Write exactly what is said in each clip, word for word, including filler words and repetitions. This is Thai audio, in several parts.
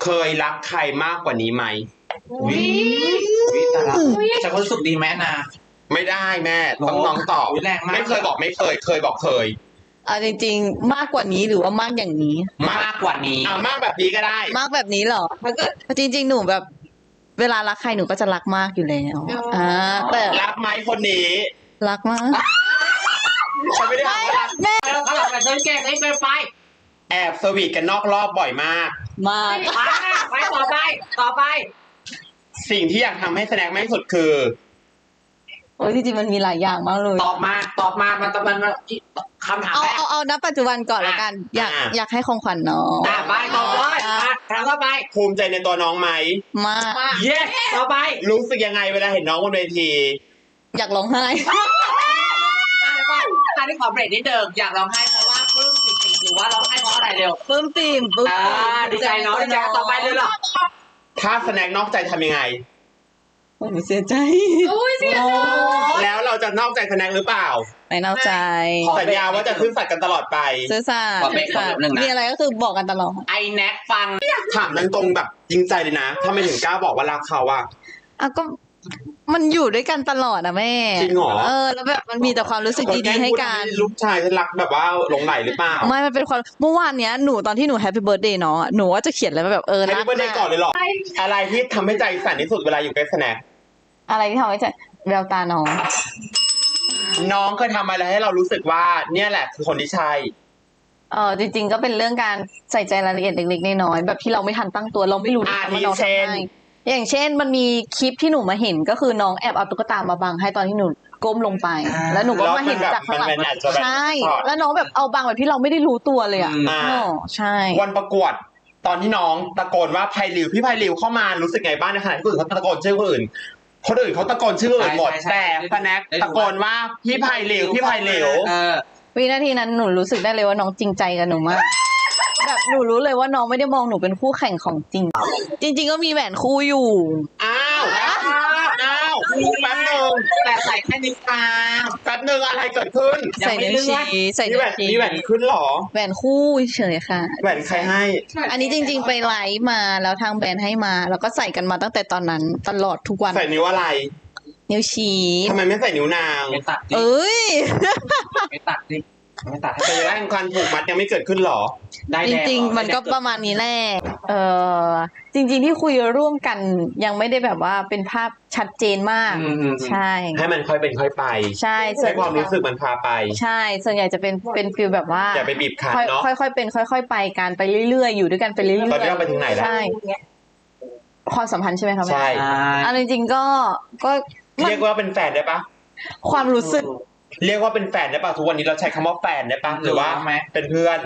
เคยรักใครมากกว่านี้ไหมวิวิแต่ละจะรู้สึกดีไหมนะไม่ได้แม่ต้องน้องตอบไม่เคยบอกไม่เคย เคยบอกเคยเอาจริงๆมากกว่านี้หรือว่ามากอย่างนี้มากกว่านี้อ่ามากแบบนี้ก็ได้มากแบบนี้เหรอถ้าเกิดจริงๆหนูแบบ เวลารักใครหนูก็จะรักมากอยู่แล้วอ่าแต่รักไหมคนนี้รักมากฉันไม่ได้บอกว่ารักแม่แล้วก็แบบฉันแก่ไม่เป็นไฟแอบสวีทกันนอกรอบบ่อยมากมากไปต่อไปต่อไปสิ่งที่อยากทำให้แสดงมากที่สุดคือโอ้ยจริงๆมันมีหลายอย่างมากเลยตอบมาตอบมามันมันมันคำถามเอาแรกเอาเอาณปัจจุบันก่อนละกันอยากอยากให้ของขวัญน้องอ่าไปต่อเลยถามต่อไปภูมิใจในตัวน้องไหมมากเย้ต่อไปรู้สึกยังไงเวลาเห็นน้องบนเวทีอยากร้องไห้การที่ขอเบรกนิดเดิมอยากร้องไห้เพราะว่าปลื้มปิ่มหรือว่าร้องไห้เพราะอะไรเร็วปลื้มปิ่มปลื้มอ่าดีใจเนาะดีใจต่อไปเลยหรอถ้าแสดงนอกใจทำยังไงโอ้ยเสียใจโอ้ยเสียใจแล้วเราจะนอกใจแสดงหรือเปล่าไม่นอกใจสัญญาว่าจะซื่อสัตย์กันตลอดไปซื่อสัตย์มีอะไรก็คือบอกกันตลอดไอแน็กฟังถามตรงๆแบบจริงใจเลยนะถ้าไม่ถึงกล้าบอกว่ารักเขาอะอ่ะก็มันอยู่ด้วยกันตลอดนะแม่จริงเหรอเออแล้วแบบมันมีแต่ความรู้สึกดีๆให้กันลูกชายฉันรักแบบว่าหลงไหลหรือเปล่าไม่มันเป็นความเมื่อวานเนี้ยหนูตอนที่หนูแฮปปี้เบิร์ธเดย์เนาะหนูว่าจะเขียนอะไรแบบเออรักแฮปปี้เบิร์ธเดย์ก่อนเลยหรออะไรที่ทำให้ใจสั่นที่สุดเวลาอยู่ใกล้แสดงอะไรที่ทำให้ใจแววตาน้องน้องเคยทำอะไรให้เรารู้สึกว่าเนี่ยแหละคือคนที่ใช่เออจริงๆก็เป็นเรื่องการใส่ใจรายละเอียดเล็กๆน้อยๆแบบที่เราไม่ทันตั้งตัวเราไม่รู้ว่าน้องทำไงอย่างเช่นมันมีคลิปที่หนูมาเห็นก็คือน้องแอบเอาตุ๊กตามาบังให้ตอนที่หนูก้มลงไปแล้วหนูก็มาเห็นจากข้างหลังใช่แล้วน้องแบบเอาบังแบบที่เราไม่ได้รู้ตัวเลยอ่ะอ๋อใช่วันประกวดตอนที่น้องตะโกนว่าไพลิวพี่ไพลิวเข้ามารู้สึกไงบ้างในขณะที่คนอื่นเขาตะโกนชื่อคนอื่นคนอื่นเขาตะโกนชื่ออื่นหมดแต่สแน็คตะโกนว่าพี่ไพลิวพี่ไพลิววินาทีนั้นหนูรู้สึกได้เลยว่าน้องจริงใจกับหนูมากแบบหนูรู้เลยว่าน้องไม่ได้มองหนูเป็นคู่แข่งของจริงจริงๆก็มีแหวนคู่อยู่อ้าวอ้าวแป๊บนึงแต่ใส่แค่นิ้วกลางแป๊บนึงอะไรเกิดขึ้นใส่นิ้วชี้ใส่นิ้วชี้มีแหวนขึ้นหรอแหวนคู่เฉยค่ะแหวนใครให้อันนี้จริงๆไปไลฟ์มาแล้วทางแบรนด์ให้มาแล้วก็ใส่กันมาตั้งแต่ตอนนั้นตลอดทุกวันใส่นิ้วอะไรนิ้วชี้ทำไมไม่ใส่นิ้วนางไม่ตัดเอ้ยไม่ตัดดิไม่ตัดแต่แรกการผูกมัดยังไม่เกิดขึ้นหรอจริงๆมันก็ประมาณนี้แหละเออจริงๆที่คุยร่วมกันยังไม่ได้แบบว่าเป็นภาพชัดเจนมากใช่ให้มันค่อยเป็นค่อยไปใช่ให้ความรู้สึกมันพาไปใช่ส่วนใหญ่จะเป็นเป็นฟีลแบบว่าอย่าไปบีบคั้นเนาะค่อยๆเป็นค่อยๆไปกันไปเรื่อยๆอยู่ด้วยกันไปเรื่อยๆตอนนี้เราไปถึงไหนแล้วใช่ความสัมพันธ์ใช่ไหมคะใช่อันจริงๆก็ก็เรียกว่าเป็นแฟนได้ปะความรู้สึกเรียกว่าเป็นแฟนได้ป่ะทุกวันนี้เราใช้คำว่าแฟนได้ป่ะหรือว่าเป็นเพื่อน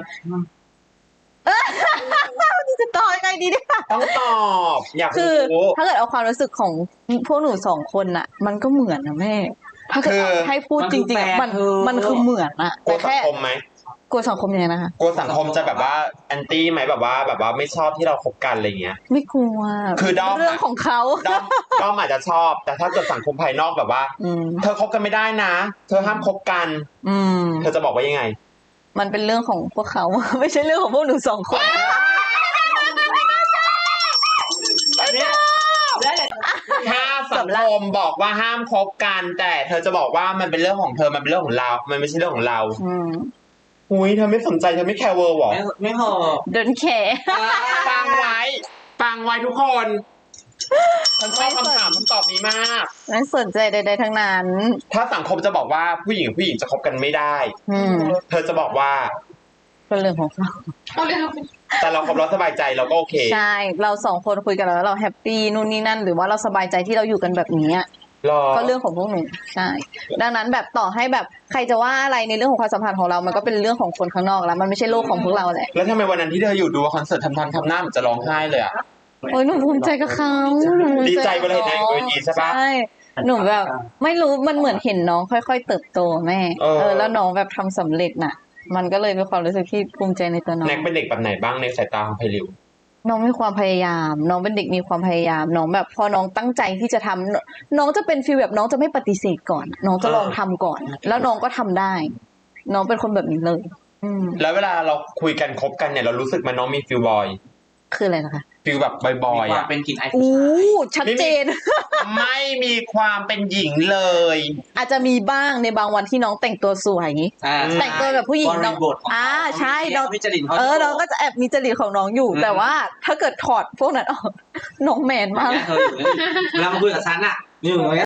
นี่จะตอบยังไงดีเนี่ยต้องตอบอยากคือถ้าเกิดเอาความรู้สึกของพวกหนูสองคนน่ะมันก็เหมือนนะแม่ถ้าเกิดให้พูดจริงๆมันมันคือเหมือนอะแต่แค่กลัวสังคมไหมกลัวสังคมยังไงนะคะกลัวสังคมจะแบบว่าแอนตี้ไหมแบบว่าแบบว่าไม่ชอบที่เราคบกันอะไรเงี้ยไม่กลัวคือด้อมเรื่องของเขาด้อมด้อมอาจจะชอบแต่ถ้าเกิดสังคมภายนอกแบบว่าเธอคบกันไม่ได้นะเธอห้ามคบกันเธอจะบอกว่ายังไงมันเป็นเรื่องของพวกเขาไม่ใช่เรื่องของพวกหนูสองคนถ้าสังคมบอกว่าห้ามคบกันแต่เธอจะบอกว่ามันเป็นเรื่องของเธอมันเป็นเรื่องของเรามันไม่ใช่เรื่องของเราอุ้ยเธอไม่สนใจเธอไม่แคร์เวิร์หรอไม่พอเดินแคร์ฟังไว้ฟังไว้ทุกคนฉันชอบคำถามคำตอบนี้มากไม่สนใจใดๆทั้งนั้นถ้าสังคมจะบอกว่าผู้หญิงผู้หญิงจะคบกันไม่ได้เธอจะบอกว่าเป็นเรื่องของเราแต่เราคบเราสบายใจเราก็โอเคใช่เราสองคนคุยกันแล้วเราแฮปปี้นู่นนี่นั่นหรือว่าเราสบายใจที่เราอยู่กันแบบนี้ก็เรื่องของพวกหนูใช่ดังนั้นแบบต่อให้แบบใครจะว่าอะไรในเรื่องของความสัมพันธ์ของเรามันก็เป็นเรื่องของคนข้างนอกแล้วมันไม่ใช่โลกของพวกเราแหละแล้วทำไมวันนั้นที่เธออยู่ดูคอนเสิร์ตทำทำทำหน้าเหมือนจะร้องไห้เลยอ่ะโอ้ยหนูภูมิใจกับเขาดีใจเวลาเห็นนางเวทีใช่ปะใช่หนูแบบไม่รู้มันเหมือนเห็นน้องค่อยๆเติบโตแม่เออแล้วน้องแบบทำสำเร็จน่ะมันก็เลยเป็นความรู้สึกที่ภูมิใจในตัวน้องแน็กเป็นเด็กแบบไหนบ้างในสายตาของไพลิวน้องมีความพยายามน้องเป็นเด็กมีความพยายามน้องแบบพอน้องตั้งใจที่จะทำน้องจะเป็นฟีลแบบน้องจะไม่ปฏิเสธก่อนน้องจะลองทำก่อนแล้วน้องก็ทำได้น้องเป็นคนแบบนี้เลยแล้วเวลาเราคุยกันคบกันเนี่ยเรารู้สึกมันน้องมีฟีลบอยคืออะไรนะคะฟิลแบบบอยมีๆควาอ่ะมเป็นกลิ่นไอผู้อู้ชายชัดเจนไม่มีความเป็นหญิงเลยอาจจะมีบ้างในบางวันที่น้องแต่งตัวสวยอย่างนี้อ่าแต่งตัวแบบผู้หญิงบน้องริบทของอ่าเขาใช่น้องเขามีจริตเขาเออน้องก็จะแอบมีจริตของน้องอยู่อืมแต่ว่าถ้าเกิดถอดพวกนั้นออกน้องแมนมากเนี่ยเธออยู่นี่เวลามาคุยกับฉันอ่ะนี่อยู่ตรงเนี้ย